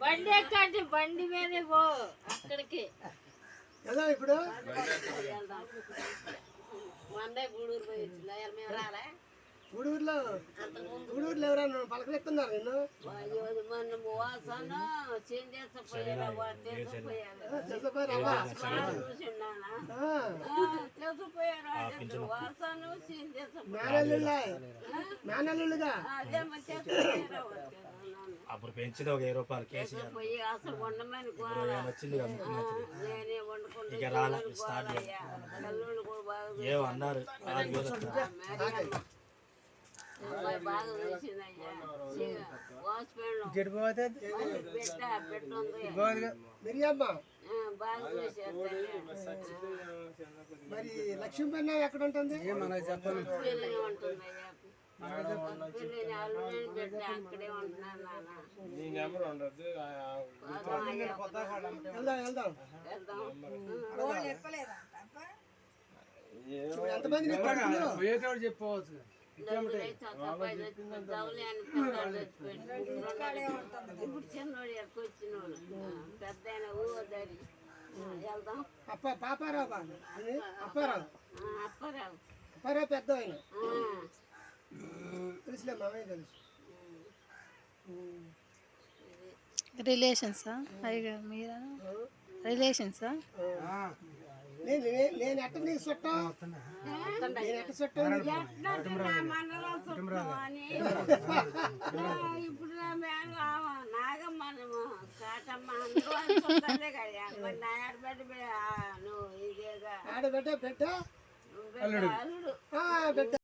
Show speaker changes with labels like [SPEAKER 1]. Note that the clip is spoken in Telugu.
[SPEAKER 1] బండి ఎక్కండి, బండి మీదే పో అక్కడికి.
[SPEAKER 2] కదా ఇప్పుడు
[SPEAKER 1] మండే గూడూరు పోయి వచ్చిందా మేము రాలే.
[SPEAKER 2] గూడూరులో ఎవరైనా పలకరిస్తున్నారు నిన్ను?
[SPEAKER 1] మన వాసన చేంజ్ చేసిపోయారా వాసన చేంజ్
[SPEAKER 2] మేనల్లుగా
[SPEAKER 1] అదే
[SPEAKER 3] అప్పుడు పెంచింది ఒక 10 రూపాయలు కేసీ
[SPEAKER 1] పోయి అసలు వండమని
[SPEAKER 3] వచ్చింది
[SPEAKER 1] నేనే వండుకుంటే
[SPEAKER 3] ఇక రాలే స్టార్ట్ ఏమో అన్నారు
[SPEAKER 1] బాగా వేసిందయ్యా వాచ్మెన్
[SPEAKER 2] మిరియమ్మ
[SPEAKER 1] బాగా వేసారు.
[SPEAKER 2] మరి లక్ష్మీపన్న ఎక్కడ ఉంటుంది?
[SPEAKER 1] పిల్లలు ఉంటుందయ్యా, అల్లుడని బిడ్డ అక్కడే ఉంటున్నాను నాన్న.
[SPEAKER 2] వెళ్దాం
[SPEAKER 1] వెళ్దాం
[SPEAKER 2] ఎంతమంది
[SPEAKER 4] చెప్పవచ్చు.
[SPEAKER 1] ఇప్పుడు చిన్నోడు ఎక్కొచ్చినోడు పెద్ద ఆయన ఊదరి వెళ్దాం.
[SPEAKER 2] పాపారావు అప్పారావు
[SPEAKER 1] అప్పారావు
[SPEAKER 2] పెద్ద ఆయన తెలుసులే, మామయ్య తెలుసు.
[SPEAKER 5] రిలేషన్సా అయ్యగా మీరా? రిలేషన్సా?
[SPEAKER 2] నేను ఎట్ట నీకు చుట్టం? నేను ఎట్ట చుట్టం?
[SPEAKER 1] ఇప్పుడు నాగమ్మ కాటమ్మ అందరూ కదా మరి నా ఆడబిడ్డ నువ్వు ఇదేగా
[SPEAKER 2] ఆడబిడ్డ బిడ్డ
[SPEAKER 1] అల్లుడు
[SPEAKER 2] బిడ్డ